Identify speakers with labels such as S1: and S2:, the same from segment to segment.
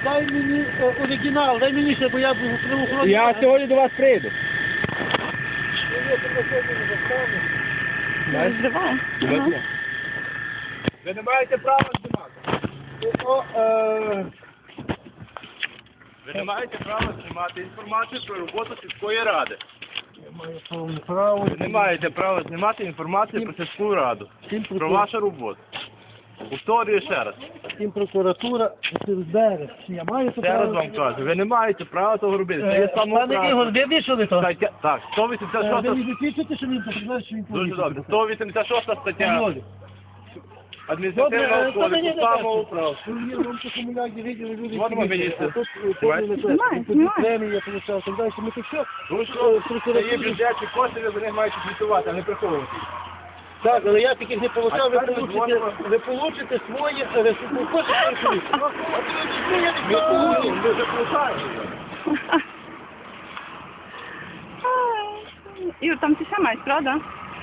S1: дай мені оригінал, дай мені ще, бо я був правоохоронний.
S2: Я сьогодні до вас прийду.
S3: Розриває.
S2: Ви не маєте права знімати. Ви не маєте права знімати інформацію про роботу сільської ради. Ви не маєте права знімати інформацію про сільську раду. Про вашу роботу. Повторюю ще раз.
S1: Втім, прокуратура, СБР. Я маю це
S2: Ще раз
S1: право.
S2: вам кажу, ви не маєте права того робити. Це є
S1: Пане
S2: самоуправство.
S1: Ігор, ви вийшли то?
S2: Так,
S1: Ви
S2: 186
S1: не засвідчите, що він показав, що він
S2: Дуже
S1: повинен?
S2: добре. 186 стаття адміністративного кодексу самоуправства.
S1: Вам по комунякі виділи люди.
S2: Вон ми їсти.
S1: Премія получав, так далі. Ми тут що?
S2: Тому що це є бюджетні кошти, ви за них маєте звітувати, а не приховувати.
S1: Так, але я таких не получав,
S2: А тепер ми дзвонимо.
S1: ви получите своє, ви хочете свої.
S2: Ми заплутаємо.
S3: Ігор, там ти ще маєш, правда?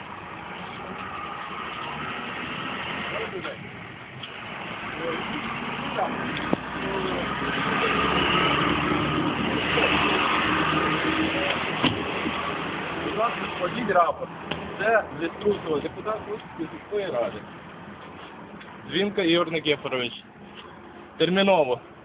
S2: Будь ласка, складіть рапорт. Це Ліструсова, депутат Луцької сільської ради. Дзвінка Ігор Никифорович. Терміново.